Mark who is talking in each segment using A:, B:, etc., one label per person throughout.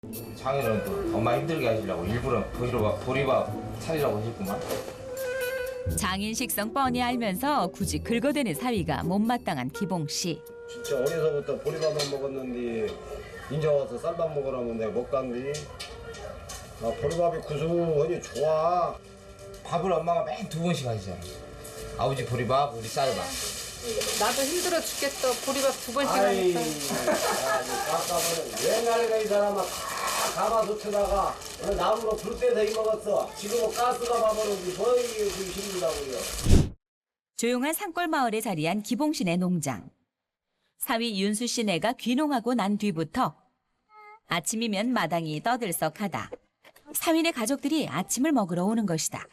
A: 장인은 또 엄마 힘들게 하시려고 일부러 보리밥 차리라고 하셨구만.
B: 장인 식성 뻔히 알면서 굳이 긁어대는 사위가 못마땅한 기봉 씨.
C: 진짜 어려서부터 보리밥만 먹었는데 인제 와서 쌀밥 먹으라면 내가 못 간디. 아, 보리밥이 구수하니 좋아.
A: 밥을 엄마가 맨 2번씩 하시잖아. 아버지 보리밥, 우리 쌀밥.
D: 나도 힘들어 죽겠어. 보리밥 2번씩
C: 아이,
D: 하니까.
C: 깜깜하네. 옛날에가 이 사람은 다 가마솥에다가 나무로 불 때서 이 먹었어. 지금은 가스가 봐버리지 뭐 이게 힘들다고요.
B: 조용한 산골 마을에 자리한 기봉 씨네 농장. 사위 윤수 씨네가 귀농하고 난 뒤부터 아침이면 마당이 떠들썩하다. 사위네 가족들이 아침을 먹으러 오는 것이다.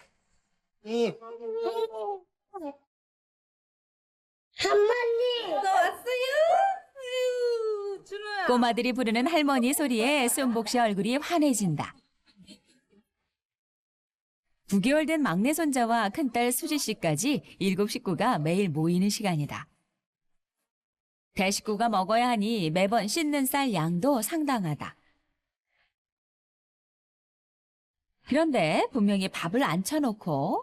B: 꼬마들이 부르는 할머니 소리에 순복 씨 얼굴이 환해진다. 9개월 된 막내 손자와 큰딸 수지 씨까지 7 식구가 매일 모이는 시간이다. 대식구가 먹어야 하니 매번 씻는 쌀 양도 상당하다. 그런데 분명히 밥을 안 쳐놓고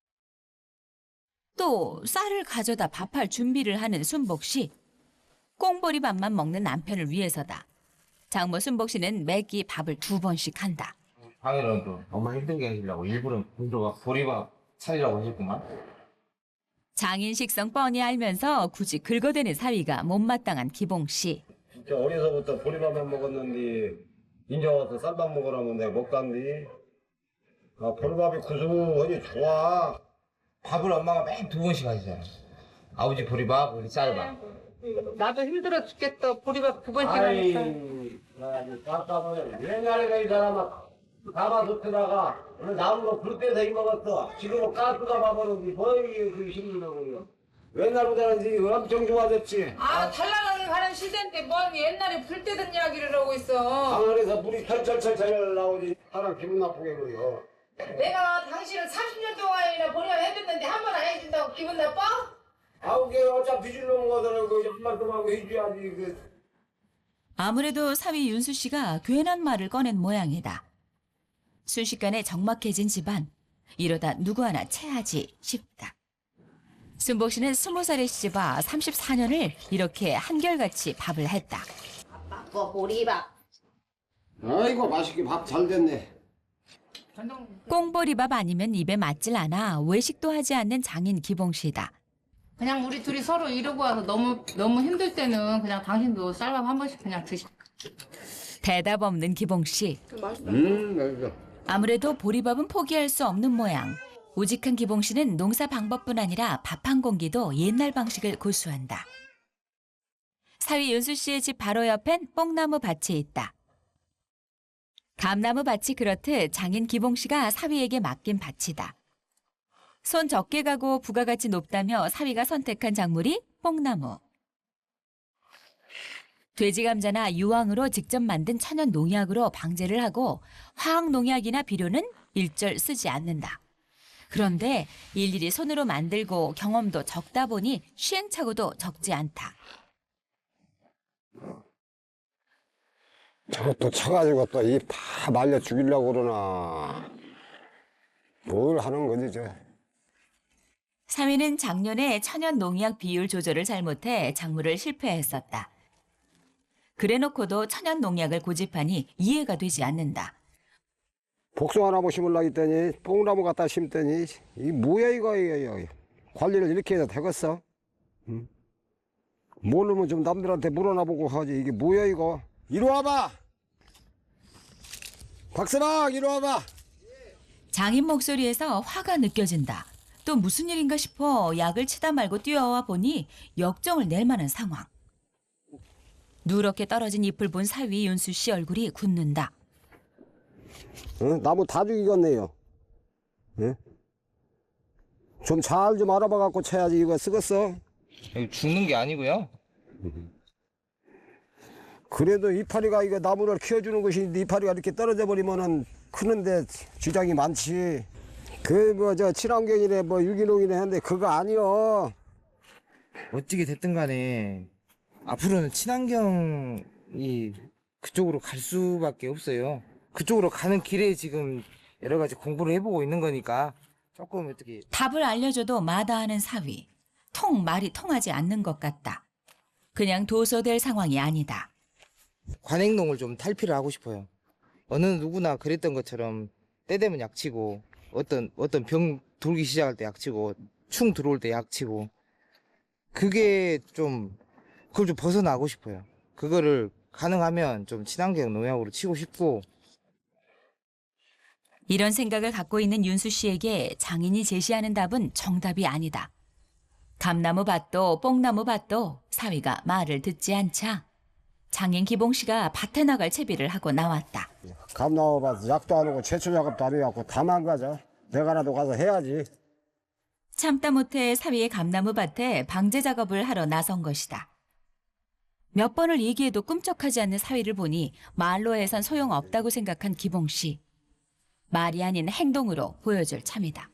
B: 또 쌀을 가져다 밥할 준비를 하는 순복 씨. 꽁보리밥만 먹는 남편을 위해서다. 장모 순복 씨는 매끼 밥을 2번씩 한다.
A: 장인은 또 엄마 힘들게 하시려고 일부러 보리밥 차리라고 하셨구만.
B: 장인 식성 뻔히 알면서 굳이 긁어대는 사위가 못마땅한 기봉 씨.
C: 진짜 어려서부터 보리밥만 먹었는데 인제 와서 쌀밥 먹으라면 내가 못 간디. 아, 보리밥이 구수하니 좋아.
A: 밥을 엄마가 맨 2번씩 하시잖아. 아버지 보리밥, 우리 쌀밥.
D: 나도 힘들어 죽겠어. 보리밥 2번씩
C: 아이,
D: 하니까.
C: 깜깜하네. 옛날에가 이 사람은 가마솥에다가 나무로 불 때서 이 먹었어. 지금은 가스가 봐버리지 뭐 이게 힘들다고요. 옛날보다는 이제 엄청 좋아졌지.
D: 아, 잘 나가게 가는 시대인데 뭔 옛날에 불 때던 이야기를 하고 있어.
C: 강원에서 물이 철철철철 나오지. 사람 기분 나쁘게 그래요.
D: 내가 당신을 30년 동안이나 보리밥 해줬는데 한 번 안 해준다고 기분 나빠?
C: 아우, 걔 어차피 줄 놈 거더라고. 한 말씀 하고 해줘야지.
B: 아무래도 사위 윤수 씨가 괜한 말을 꺼낸 모양이다. 순식간에 적막해진 집안. 이러다 누구 하나 체하지 싶다. 순복 씨는 20살의 시집와 34년을 이렇게 한결같이 밥을 했다.
D: 뭐 보리밥.
C: 아이고, 맛있게 밥 잘 됐네.
B: 꽁보리밥 아니면 입에 맞질 않아 외식도 하지 않는 장인 기봉 씨다.
D: 그냥 우리 둘이 서로 이러고 와서 너무 힘들 때는 그냥 당신도 쌀밥 한 번씩 그냥 드시.
B: 대답 없는 기봉 씨.
C: 맛있어.
B: 아무래도 보리밥은 포기할 수 없는 모양. 우직한 기봉 씨는 농사 방법뿐 아니라 밥 한 공기도 옛날 방식을 고수한다. 사위 윤수 씨의 집 바로 옆엔 뽕나무 밭이 있다. 감나무 밭이 그렇듯 장인 기봉 씨가 사위에게 맡긴 밭이다. 손 적게 가고 부가가치 높다며 사위가 선택한 작물이 뽕나무. 돼지 감자나 유황으로 직접 만든 천연 농약으로 방제를 하고 화학 농약이나 비료는 일절 쓰지 않는다. 그런데 일일이 손으로 만들고 경험도 적다 보니 시행착오도 적지 않다.
C: 저것도 쳐가지고 또 이 다 말려 죽이려고 그러나. 뭘 하는 거지, 저.
B: 사위는 작년에 천연 농약 비율 조절을 잘못해 작물을 실패했었다. 그래놓고도 천연 농약을 고집하니 이해가 되지 않는다.
C: 복숭아나무 심으려고 했더니 뽕나무 갖다 심더니 이 뭐야 이거. 관리를 이렇게 해서 되겠어? 응? 모르면 좀 남들한테 물어나보고 하지. 이게 뭐야 이거. 이리 와봐. 박서방 이리 와봐.
B: 장인 목소리에서 화가 느껴진다. 또 무슨 일인가 싶어 약을 치다 말고 뛰어와 보니 역정을 낼 만한 상황. 누렇게 떨어진 잎을 본 사위 윤수 씨 얼굴이 굳는다.
C: 응? 나무 다 죽이겠네요. 응? 좀 잘 좀 알아봐 갖고 쳐야지. 이거 쓰겠어?
A: 죽는 게 아니고요.
C: 그래도 이파리가 이거 나무를 키워주는 것인데 이파리가 이렇게 떨어져 버리면은 크는데 지장이 많지. 그 뭐 저 친환경이네 뭐 유기농이네 하는데 그거 아니여.
A: 어찌게 됐든 간에 앞으로는 친환경이
E: 그쪽으로 갈 수밖에 없어요. 그쪽으로 가는 길에 지금 여러 가지 공부를 해보고 있는 거니까 조금 어떻게
B: 답을 알려줘도 마다하는 사위. 말이 통하지 않는 것 같다. 그냥 도서될 상황이 아니다.
E: 관행동을 좀 탈피를 하고 싶어요. 어느 누구나 그랬던 것처럼 때 되면 약치고 어떤 병 돌기 시작할 때 약치고 충 들어올 때 약치고 그게 좀 그걸 좀 벗어나고 싶어요. 그거를 가능하면 좀 친환경 농약으로 치고 싶고
B: 이런 생각을 갖고 있는 윤수 씨에게 장인이 제시하는 답은 정답이 아니다. 감나무 밭도 뽕나무 밭도 사위가 말을 듣지 않자 장인 기봉 씨가 밭에 나갈 채비를 하고 나왔다.
C: 감나무 봐서 약도 안 하고 제초 작업도 안 해갖고 다만 가자. 내가라도 가서 해야지.
B: 참다 못해 사위의 감나무 밭에 방제 작업을 하러 나선 것이다. 몇 번을 얘기해도 꿈쩍하지 않는 사위를 보니 말로 해선 소용없다고 생각한 기봉 씨. 말이 아닌 행동으로 보여줄 참이다.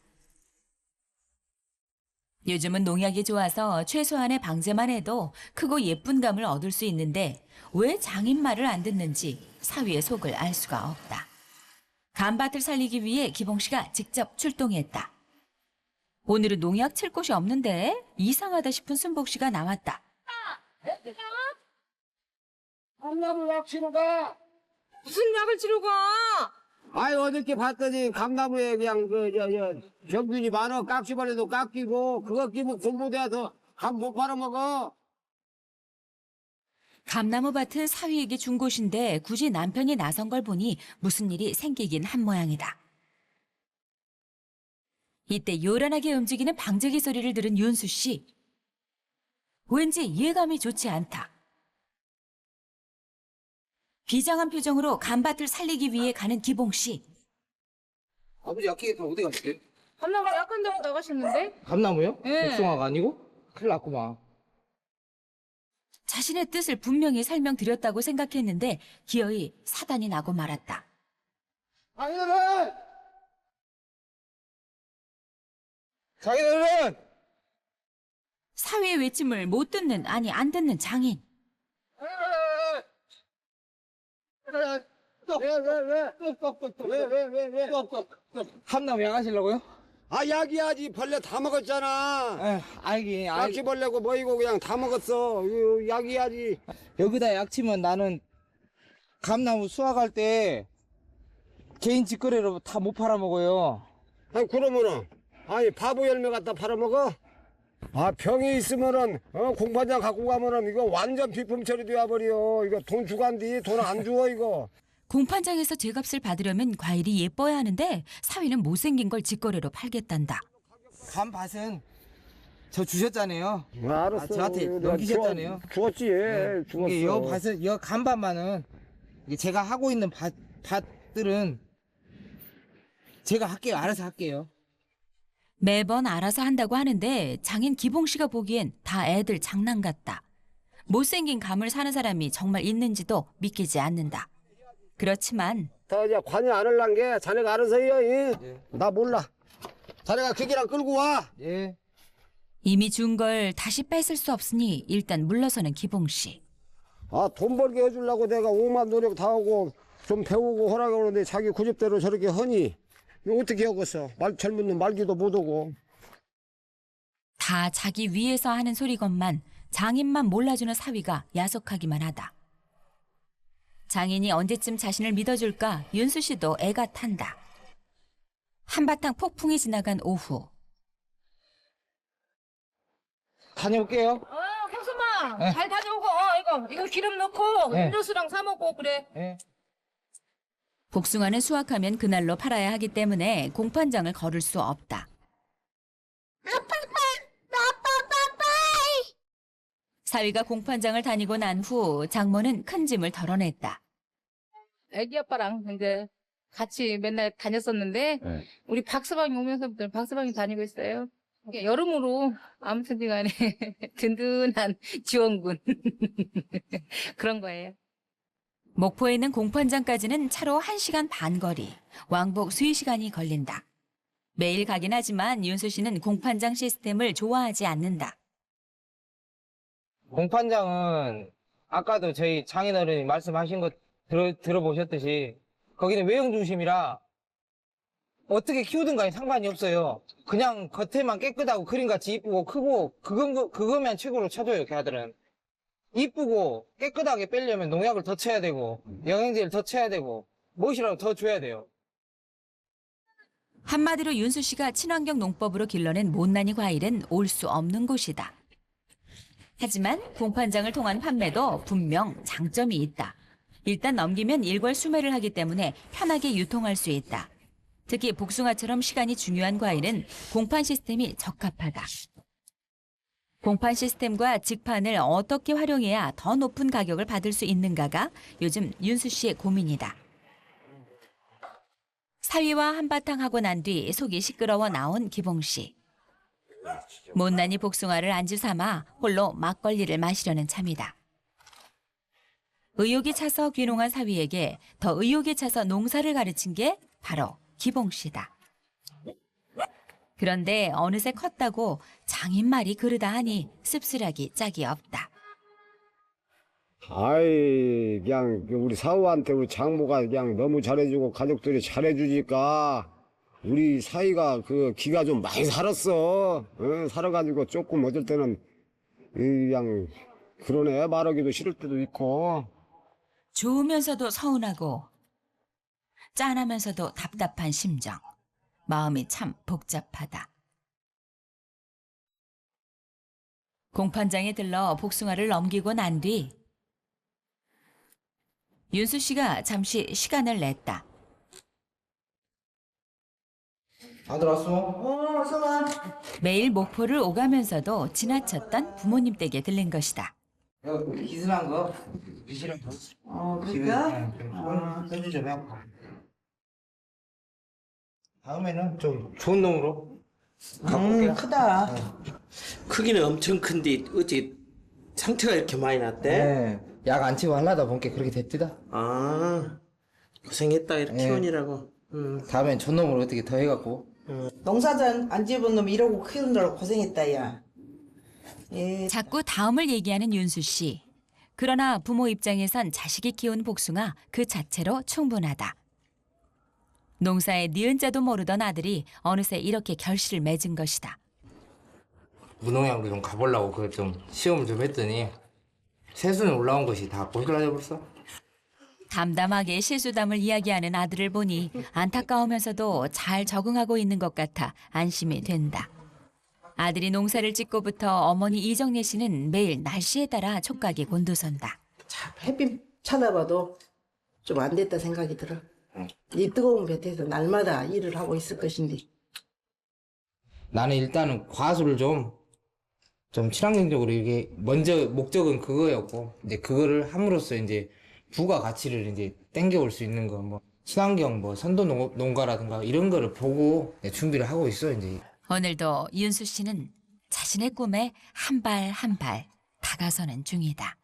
B: 요즘은 농약이 좋아서 최소한의 방제만 해도 크고 예쁜 감을 얻을 수 있는데 왜 장인 말을 안 듣는지 사위의 속을 알 수가 없다. 감밭을 살리기 위해 기봉 씨가 직접 출동했다. 오늘은 농약 칠 곳이 없는데 이상하다 싶은 순복 씨가 나왔다.
C: 감나무 약 치러 가.
F: 무슨 약을 치러 가?
C: 아이 어저께 봤더니 감나무에 그냥 병균이 많아. 깍지발에도 깎이고 그거 끼면 공부돼서 감 못 팔아먹어.
B: 감나무 밭은 사위에게 준 곳인데 굳이 남편이 나선 걸 보니 무슨 일이 생기긴 한 모양이다. 이때 요란하게 움직이는 방제기 소리를 들은 윤수 씨. 왠지 예감이 좋지 않다. 비장한 표정으로 감밭을 살리기 위해 가는 기봉 씨.
E: 아버지 약기겠다 어디 갔지?
F: 감나무 약한 데로 나가셨는데?
E: 감나무요?
F: 예.
E: 복숭아가 아니고? 큰일 났구만.
B: 자신의 뜻을 분명히 설명드렸다고 생각했는데 기어이 사단이 나고 말았다.
E: 자기들은
B: 사위의 외침을 못 듣는 아니 안 듣는 장인.
E: 감나무 약 하시려고요?
C: 아 약이야지. 벌레 다 먹었잖아.
E: 알긴
C: 깍지벌레고 뭐이고 그냥 다 먹었어. 이거 약이야지.
E: 여기다 약 치면 나는 감나무 수확할 때 개인 직거래로 다 못 팔아먹어요.
C: 아니 그러면은 아니 바보 열매 갖다 팔아먹어? 아 병이 있으면은 공판장 갖고 가면은 이거 완전 비품 처리돼야 버려. 이거 돈 주고 한디 돈 안 주어 이거.
B: 공판장에서 제값을 받으려면 과일이 예뻐야 하는데 사위는 못생긴 걸 직거래로 팔겠단다.
E: 감밭은 저 주셨잖아요.
C: 알았어.
E: 저한테
C: 내가
E: 넘기셨잖아요.
C: 주었지. 예, 주었어.
E: 이게 여 밭은 여 감밭만은 이게 제가 하고 있는 밭들은 제가 할게요. 알아서 할게요.
B: 매번 알아서 한다고 하는데 장인 기봉 씨가 보기엔 다 애들 장난 같다. 못생긴 감을 사는 사람이 정말 있는지도 믿기지 않는다. 그렇지만
C: 더 이제 관여 안 할란 게 자네가 알아서 해요.
E: 예.
C: 나 몰라. 자네가 기계랑 끌고 와.
E: 예.
B: 이미 준 걸 다시 뺏을 수 없으니 일단 물러서는 기봉 씨.
C: 아 돈 벌게 해주려고 내가 오만 노력 다 하고 좀 배우고 허락을 하는데 자기 고집대로 저렇게 하니 이거 어떻게 하겠어. 젊은 놈 말기도 못하고.
B: 다 자기 위해서 하는 소리건만 장인만 몰라주는 사위가 야속하기만 하다. 장인이 언제쯤 자신을 믿어줄까 윤수 씨도 애가 탄다. 한바탕 폭풍이 지나간 오후.
E: 다녀올게요.
F: 형수마 잘 다녀오고 이거 기름 넣고
E: 네.
F: 음료수랑 사 먹고 그래.
E: 예.
B: 복숭아는 수확하면 그날로 팔아야 하기 때문에 공판장을 걸을 수 없다. 사위가 공판장을 다니고 난 후 장모는 큰 짐을 덜어냈다.
D: 애기 아빠랑 이제 같이 맨날 다녔었는데
C: 네.
D: 우리 박서방이 오면서부터 박서방이 다니고 있어요. 이게 여름으로 아무튼지 간에 든든한 지원군 그런 거예요.
B: 목포에 있는 공판장까지는 차로 1시간 반 거리, 왕복 수의 시간이 걸린다. 매일 가긴 하지만 윤수 씨는 공판장 시스템을 좋아하지 않는다.
E: 공판장은 아까도 저희 장인어른이 말씀하신 들어보셨듯이 거기는 외형 중심이라 어떻게 키우든가에 상관이 없어요. 그냥 겉에만 깨끗하고 그림같이 이쁘고 크고 그거면 최고로 쳐줘요. 걔들은 이쁘고 깨끗하게 빼려면 농약을 더 쳐야 되고 영양제를 더 쳐야 되고 무엇이라도 더 줘야 돼요.
B: 한마디로 윤수 씨가 친환경 농법으로 길러낸 못난이 과일은 올 수 없는 곳이다. 하지만 공판장을 통한 판매도 분명 장점이 있다. 일단 넘기면 일괄 수매를 하기 때문에 편하게 유통할 수 있다. 특히 복숭아처럼 시간이 중요한 과일은 공판 시스템이 적합하다. 공판 시스템과 직판을 어떻게 활용해야 더 높은 가격을 받을 수 있는가가 요즘 윤수 씨의 고민이다. 사위와 한바탕 하고 난 뒤 속이 시끄러워 나온 기봉 씨. 못난이 복숭아를 안주 삼아 홀로 막걸리를 마시려는 참이다. 의욕이 차서 귀농한 사위에게 더 의욕이 차서 농사를 가르친 게 바로 기봉 씨다. 그런데 어느새 컸다고 장인 말이 그르다 하니 씁쓸하기 짝이 없다.
C: 아이, 그냥 우리 사우한테 우리 장모가 그냥 너무 잘해주고 가족들이 잘해주니까 우리 사이가 그 기가 좀 많이 살았어. 살아가지고 조금 어쩔 때는 그냥 그러네 말하기도 싫을 때도 있고.
B: 좋으면서도 서운하고 짠하면서도 답답한 심정. 마음이 참 복잡하다. 공판장에 들러 복숭아를 넘기고 난 뒤 윤수 씨가 잠시 시간을 냈다.
E: 다들 왔어?
F: 어서 와.
B: 매일 목포를 오가면서도 지나쳤던 부모님 댁에 들린 것이다.
E: 기술한 거 미시랑
F: 그럴까?
E: 써주 좀 해갖고 다음에는 좀 좋은 놈으로 가볼게요.
F: 크다.
G: 크기는 엄청 큰데 어찌 상태가 이렇게 많이 났대?
E: 네. 약 안 치고 하려다 보니까 그렇게 됐디다.
G: 아 고생했다 이렇게
E: 네.
G: 키우느라고.
E: 다음엔 좋은 놈으로 어떻게 더 해갖고.
F: 농사전 안 지어본 놈 이러고 키우느라고 고생했다, 야. 예.
B: 자꾸 다음을 얘기하는 윤수 씨. 그러나 부모 입장에선 자식이 키운 복숭아 그 자체로 충분하다. 농사에 니은자도 모르던 아들이 어느새 이렇게 결실을 맺은 것이다.
E: 무농약으로 좀 가보려고 그 좀 시험을 좀 했더니 세수는 올라온 것이 다 고실라져 버렸어.
B: 담담하게 실수담을 이야기하는 아들을 보니 안타까우면서도 잘 적응하고 있는 것 같아 안심이 된다. 아들이 농사를 짓고부터 어머니 이정례 씨는 매일 날씨에 따라 촉각이 곤두선다.
F: 참, 햇빛 쳐다봐도 좀 안 됐다 생각이 들어. 이 뜨거운 볕에서 날마다 일을 하고 있을 것인데.
E: 나는 일단은 과수를 좀 친환경적으로 이게 먼저 목적은 그거였고 이제 그거를 함으로써 이제 부가 가치를 이제 땡겨올 수 있는 거 뭐 친환경 뭐 선도 농가라든가 이런 거를 보고 준비를 하고 있어 이제.
B: 오늘도 윤수 씨는 자신의 꿈에 한 발 한 발 다가서는 중이다.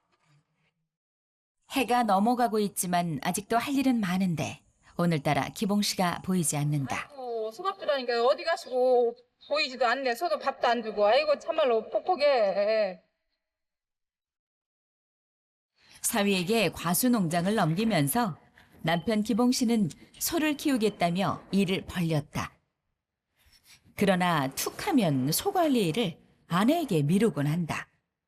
B: 해가 넘어가고 있지만 아직도 할 일은 많은데 오늘따라 기봉 씨가 보이지 않는다.
D: 소박주라니까 어디 가시고 보이지도 않네. 서도 밥도 안 주고. 아이고 참말로 폭폭해.
B: 사위에게 과수 농장을 넘기면서 남편 기봉 씨는 소를 키우겠다며 일을 벌렸다. 그러나 툭하면 소 관리 일을 아내에게 미루곤 한다.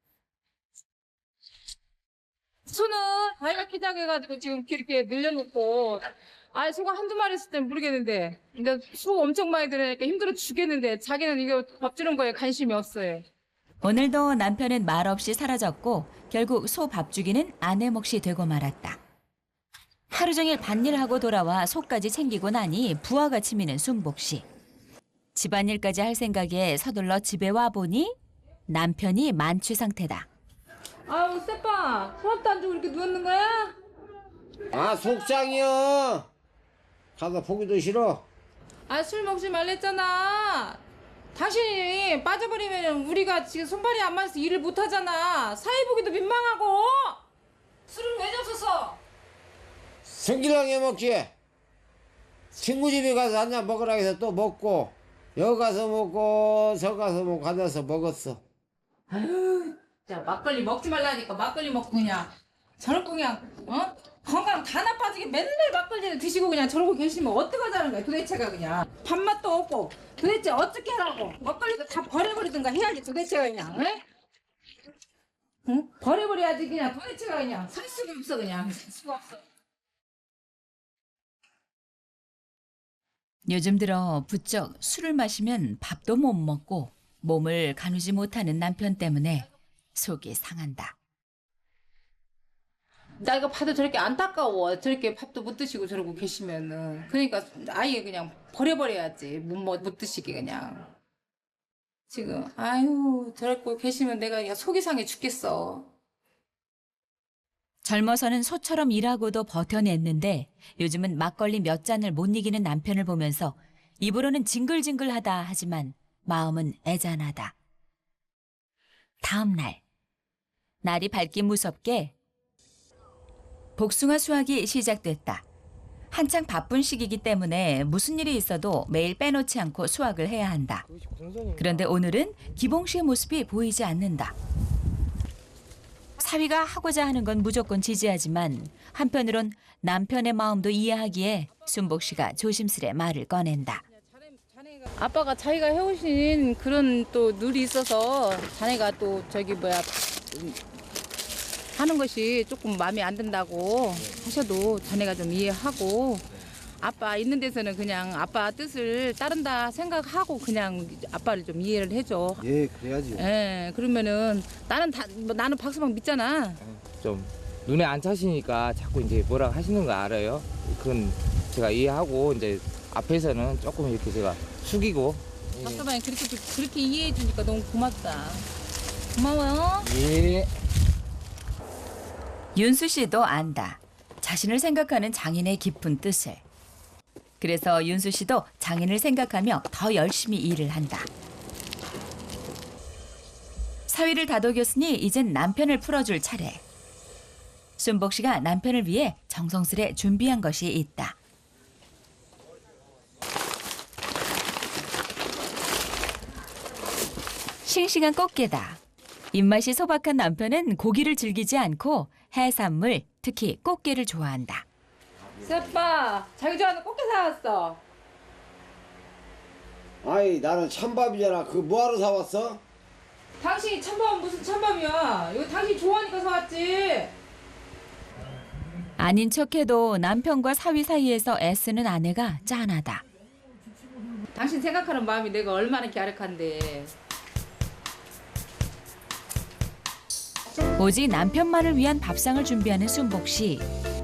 D: 소는 아이가 키 작아가지고 지금 이렇게 늘려놓고 소가 한두 마리 있을 땐 모르겠는데 근데 소 엄청 많이 들으니까 힘들어 죽겠는데 자기는 이거 밥 주는 거에 관심이 없어요.
B: 오늘도 남편은 말없이 사라졌고 결국 소 밥 주기는 아내 몫이 되고 말았다. 하루 종일 밭일하고 돌아와 소까지 챙기고 나니 부하가 치미는 순복 씨. 집안일까지 할 생각에 서둘러 집에 와보니 남편이 만취 상태다.
D: 아우 세빠 소밥도 안 주고 이렇게 누웠는 거야?
C: 아, 속상이여. 가서 보기도 싫어.
D: 술 먹지 말랬잖아. 당신이 빠져버리면 우리가 지금 손발이 안 맞아서 일을 못 하잖아. 사회 보기도 민망하고. 술은 왜 줬었어?
C: 승기랑 해먹지. 친구 집에 가서 한잔 먹으라 해서 또 먹고 여기 가서 먹고 저 가서 먹고 앉아서 먹었어.
D: 자 막걸리 먹지 말라니까 막걸리 먹고 그냥 저렇게 그냥 건강 다 나빠지게 맨날 막걸리를 드시고 그냥 저러고 계시면 어떡하자는 거야 도대체가 그냥. 밥맛도 없고 도대체 어떻게 하라고. 막걸리도 다 버려버리든가 해야지 도대체가 그냥. 응? 응? 버려버려야지 그냥 도대체가 그냥. 살 수가 없어 그냥. 살 수가 없어.
B: 요즘 들어 부쩍 술을 마시면 밥도 못 먹고 몸을 가누지 못하는 남편 때문에 속이 상한다.
D: 나 이거 봐도 저렇게 안타까워. 저렇게 밥도 못 드시고 저러고 계시면은. 그러니까 아예 그냥 버려버려야지. 못 드시게 그냥. 지금 아유 저러고 계시면 내가 그냥 속이 상해 죽겠어.
B: 젊어서는 소처럼 일하고도 버텨냈는데 요즘은 막걸리 몇 잔을 못 이기는 남편을 보면서 입으로는 징글징글하다 하지만 마음은 애잔하다. 다음 날 날이 밝기 무섭게 복숭아 수확이 시작됐다. 한창 바쁜 시기이기 때문에 무슨 일이 있어도 매일 빼놓지 않고 수확을 해야 한다. 그런데 오늘은 기봉 씨의 모습이 보이지 않는다. 사위가 하고자 하는 건 무조건 지지하지만 한편으론 남편의 마음도 이해하기에 순복 씨가 조심스레 말을 꺼낸다.
D: 아빠가 자기가 해오신 그런 또 룰이 있어서 자네가 또 저기 하는 것이 조금 마음에 안 든다고 하셔도 자네가 좀 이해하고 아빠 있는 데서는 그냥 아빠 뜻을 따른다 생각하고 그냥 아빠를 좀 이해를 해줘.
C: 예, 그래야지.
D: 예, 그러면은 나는 박수방 믿잖아.
E: 좀 눈에 안 차시니까 자꾸 이제 뭐라 하시는 거 알아요. 그건 제가 이해하고 이제 앞에서는 조금 이렇게 제가 숙이고.
D: 박수방이 그렇게 이해해 주니까 너무 고맙다. 고마워요.
E: 예.
B: 윤수 씨도 안다. 자신을 생각하는 장인의 깊은 뜻을. 그래서 윤수 씨도 장인을 생각하며 더 열심히 일을 한다. 사위를 다독였으니 이젠 남편을 풀어줄 차례. 순복 씨가 남편을 위해 정성스레 준비한 것이 있다. 싱싱한 꽃게다. 입맛이 소박한 남편은 고기를 즐기지 않고 해산물, 특히 꽃게를 좋아한다.
D: 새빠, 자기 좋아하는 꽃게 사왔어.
C: 아이, 나는 찬밥이잖아. 그거 뭐하러 사왔어?
D: 당신이 찬밥은 무슨 찬밥이야? 이거 당신 좋아하니까 사왔지.
B: 아닌 척해도 남편과 사위 사이에서 애쓰는 아내가 짠하다.
D: 당신 생각하는 마음이 내가 얼마나 갸륵한데.
B: 오직 남편만을 위한 밥상을 준비하는 순복 씨.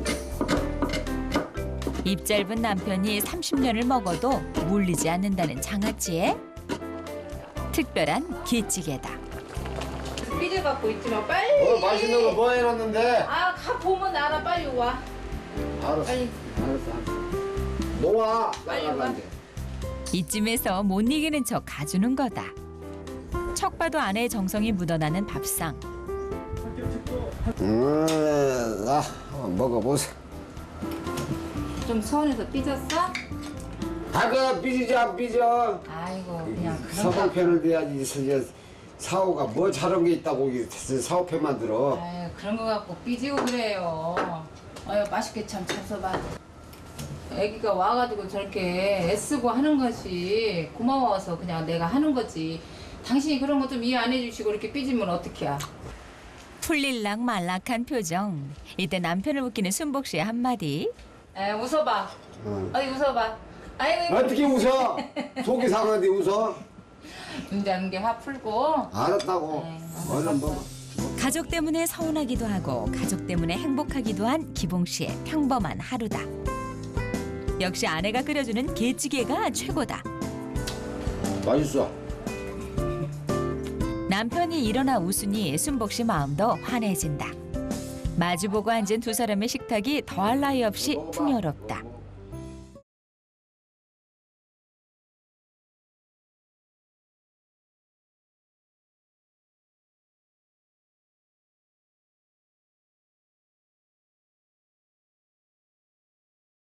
B: 입 짧은 남편이 30년을 먹어도 물리지 않는다는 장아찌에 특별한 기찌개다.
D: 삐져 갖고 있지만 빨리.
C: 맛있는 거 뭐 해놨는데?
D: 가 보면 알아. 빨리 와.
C: 알았어.
D: 빨리.
C: 알았어. 놓아.
D: 빨리 와.
B: 이쯤에서 못 이기는 척 가주는 거다. 척 봐도 아내의 정성이 묻어나는 밥상.
C: 한번 먹어보세요.
D: 좀 서운해서 삐졌어?
C: 그 삐지지 안 삐져.
D: 아이고 그냥 그런 거.
C: 사방편을 대야지. 사오가 뭐 저런 게 있다고 사오편 만들어.
D: 아유 그런 거 갖고 삐지고 그래요. 아유 맛있게 참 잡숴봐. 애기가 와가지고 저렇게 애쓰고 하는 것이 고마워서 그냥 내가 하는 거지. 당신이 그런 거 좀 이해 안 해주시고 이렇게 삐지면 어떡해.
B: 풀릴락 말락한 표정. 이때 남편을 웃기는 순복 씨의 한마디.
D: 웃어봐. 어디 웃어봐. 아이고
C: 어떻게 웃어? 속이 상한데 웃어?
D: 운전하는 게 화 풀고.
C: 알았다고. 얼른 먹어.
B: 가족 때문에 서운하기도 하고 가족 때문에 행복하기도 한 기봉 씨의 평범한 하루다. 역시 아내가 끓여주는 게찌개가 최고다.
C: 맛있어.
B: 남편이 일어나 웃으니 순복 씨 마음도 환해진다. 마주보고 앉은 두 사람의 식탁이 더할 나위 없이 풍요롭다.